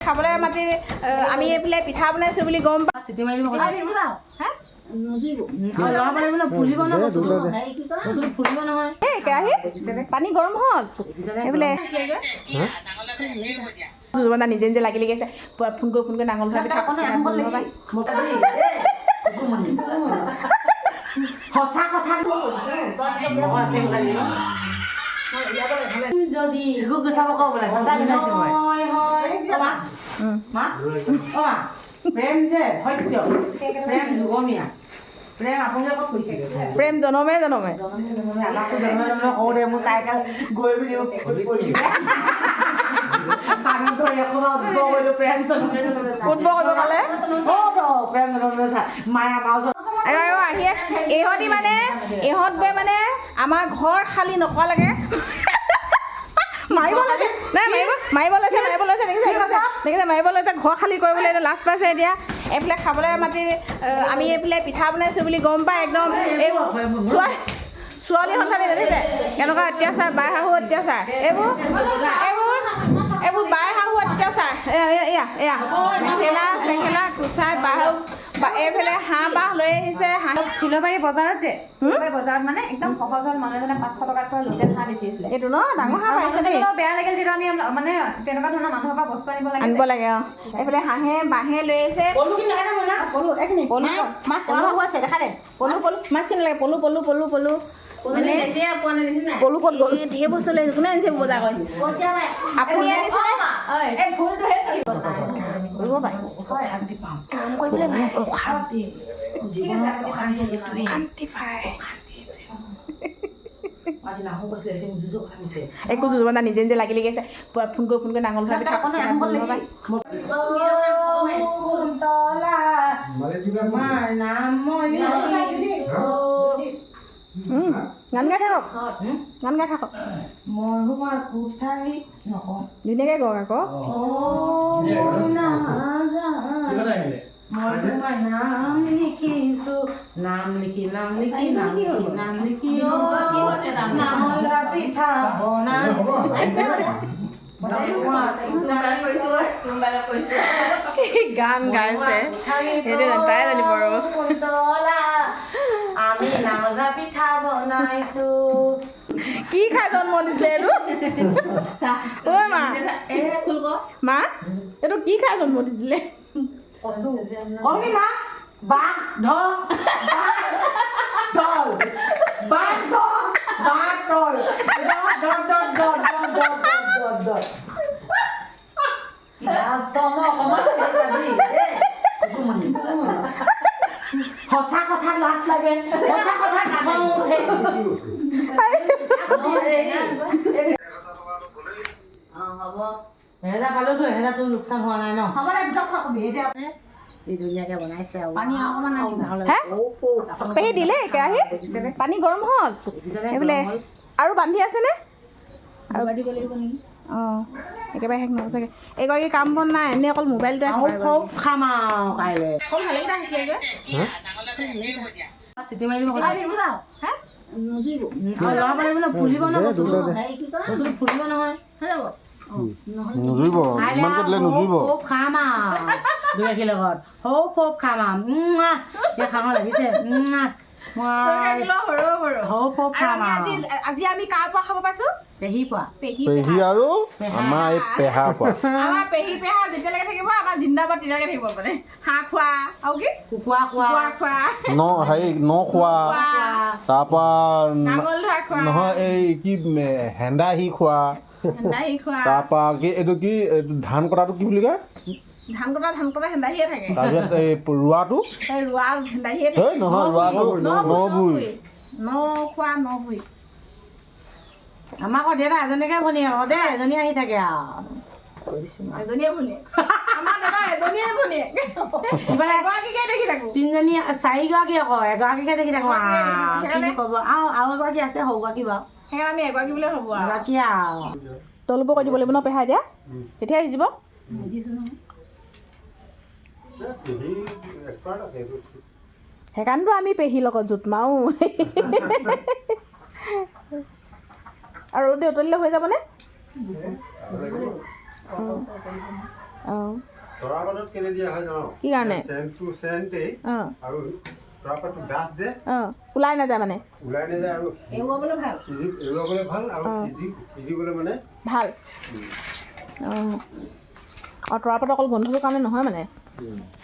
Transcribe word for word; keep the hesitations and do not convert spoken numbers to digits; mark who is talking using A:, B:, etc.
A: খাবলৈ মাতি আমি এইফালে পিঠা বনাইছো বুলি গম পা চিটি মাৰি দিব হা নজিব লৰা মানে ফুলিব না বস্তু হেৰি কি কয় বস্তু ফুলিব নহয় এই কেৰাহী পানী গৰম হ'ল এইফালে জুজুবান্দা নিজে নিজে লাগি লাগি আছে ফোন কৰি ফোন কৰি নাঙল ধৰা পিঠা সঁচা কথা যদি গুচাব কব লাগে হয় হয় মা অ প্ৰেম যে সত্য প্ৰেম যুগমীয়া প্ৰেম আপোনালোকে ক'ত কৈছে প্ৰেম জনমে জনমে জনমে জনমে আমাকতো জনমে জনমে কওঁ দে মোৰ চাইকেল গৈ বুলি পৰিছে পানীটো এখনো উদ্ভৱ কৰিলোঁ প্ৰেম জনমে জনমে উদ্ভৱ কৰিব পালে অঁ প্ৰেম জনমে মায়া মাছ আহি ইহঁতি মানে ইহঁত গৈ মানে আমাৰ ঘৰ খালী নকৰা লাগে মাৰিব লাগে নাই মাৰিব মাৰিব লৈছে মাৰিব লৈছে দেখিছে দেখিছে মাৰিব লৈছে ঘৰ খালী কৰিবলৈ এতিয়া লাজ পাইছে এতিয়া এইফালে খাবলৈ মাতি আমি এইফালে পিঠা বনাইছোঁ বুলি গম পাই একদম এই ছোৱালী ছোৱালী সন্তানী দেখিছে কেনেকুৱা অত্যাচাৰ বাই শাহু অত্যাচাৰ এইবোৰ এইবোৰ এইবোৰ বাই শাহু অত্যাচাৰ এয়া এয়া এয়া মেখেলা চেখেলা কুচাই বাহু এইফালে হাঁহ বাহ লৈ আহিছে হাঁহ
B: ফিলবাৰী বজাৰত যে ফিলবাৰী বজাৰত মানে একদম সহজ হ'ল মানুহ এজনে পাঁচশ টকাত পৰা লোকেল হাঁহ বেচি আছিলে
A: এইটো ন ডাঙৰ হাঁহ পাইছে দেই
B: বেয়া লাগিল যিটো আমি মানে তেনেকুৱা ধৰণৰ মানুহৰ পৰা বস্তু আনিব লাগে
A: আনিব লাগে অঁ এইফালে হাঁহে বাঁহে লৈ আহিছে পলু কি লাগে না পলু এইখিনি পলু
B: মাছ পলু আছে দেখা দে
A: পলু পলু মাছখিনি লাগে পলু পলু পলু পলু মানে পলু ক'ত গ'ল ঢেৰ বস্তু লৈ কোনে আনিছে বজাৰ কৰি আপুনি আনিছে কৰিব পাৰে অশান্তি পাওঁ কাম কৰিবলৈ নাই অশান্তি অশান্তি পায় একো যুজুবান্দা নিজে নিজে লাগি লাগি আছে ফোন কৰি ফোন কৰি নাঙল ধৰা পিঠা গান গাই থাকক গান গাই থাকক ধুনীয়াকৈ গওক আকৌ মই তোমাৰ নাম লিখিছো নাম লিখি নাম লিখি নাম লিখি নাম লিখি নামলা পিঠা বনাইছো গান গাইছে সেইটো তাই জানিব আৰু আমি নামলা পিঠা বনাইছো কি খাই জন্ম দিছিলে এইটো ঐ মা মা এইটো কি খাই জন্ম দিছিলে কমি মা বাঘ ঢল ঢল বাঘ ঢল বাঘ ঢল dot dot dot dot dot dot dot সঁচা কথাত লাজ লাগে সঁচা কথাত খং উঠে এহেজাৰ পালোতো এহেজাৰটো লোকচান হোৱা নাই ন ধুনীয়াকে বনাইছে পেহী দিলে কেৰাহীত পানী গৰম হ'ল এইবোলে আৰু বান্ধি আছেনে আৰু বান্ধিব লাগিব নেকি অঁ একেবাৰে শেষ নহ'ব চাগে এগৰাকী কাম বন নাই এনেই অকল মোবাইলটোৱে খাম আৰু কাইলৈ ভালেকেইটা আহিছিলে চিটি মাৰি দিব লৰা পালে বোলে ফুলিব ন বস্তু বস্তুটো ফুলিব নহয়
C: নুজুৰিব ইমান কৰিলে নুজুৰিব
A: খাম আৰু দুগাখীৰ লগত সৌ ফপ খাম আৰু খাব লাগিছে আজি আমি কাৰ পৰা খাব পাইছো পেহী পৰা
C: পেহী আৰু আমাৰ এই পেহা পৰা
A: আমাৰ পেহী পেহা যেতিয়ালৈকে থাকিব আমাৰ জিন্দাবাদ তেতিয়ালৈকে থাকিব মানে হাঁহ খোৱা আৰু কি কুকুৰা খোৱা খোৱা
C: ন হেৰি ন খোৱা তাৰপৰা
A: নাঙল ধৰা খোৱা
C: নহয় এই কি হেন্দাহী খোৱা তাৰপৰা কি এইটো কি ধান কটাটো কি বুলি কয়
A: ধান কটা ধান কটা হেন্দাহিয়ে থাকে
C: তাৰপিছত এই ৰোৱাটো
A: ৰোৱা হেন্দাহিয়ে থাকে
C: নহয় ৰোৱাটো নভুই
A: ন খোৱা নভুই আমাৰ আকৌ দেউতা এজনীকে ভনী আকৌ দেই এজনী আহি থাকে আৰু এজনীয়ে ভনী আমাৰ দাদা এজনীয়ে ভনী ইফালে এগৰাকীকে দেখি থাকো তিনিজনী চাৰিগৰাকী আকৌ এগৰাকীকে দেখি থাকো কি ক'ব আৰু আৰু এগৰাকী আছে সৰুগৰাকী বাৰু সেইকাৰণে আমি এগৰাকী বুলিয়ে হ'ব এগৰাকী আৰু তলুব কৰি দিব লাগিব ন পেহা এতিয়া তেতিয়া সিজিব সেইকাৰণেতো আমি পেহীৰ লগত জোত মাৰো আৰু অলপ দেৰি উতলিলে হৈ যাবনে অঁ
C: তৰাপাতত কেলে দিয়া হয় জানো?
A: কি কাৰণে?
C: চেণ্টটো চেণ্টেই
A: অঁ
C: আৰু তৰাপাতটো ডাঠ যে
A: অঁ ওলাই নাযায় মানে
C: ওলাই নাযায় আৰু
B: এৰুৱাবলৈ ভাল
C: সিজি এৰুৱাবলৈ ভাল আৰু
A: অঁ।
C: সিজি সিজিবলৈ মানে
A: ভাল অঁ অঁ তৰাপাত অকল গোন্ধটোৰ কাৰণে নহয় মানে
C: উম।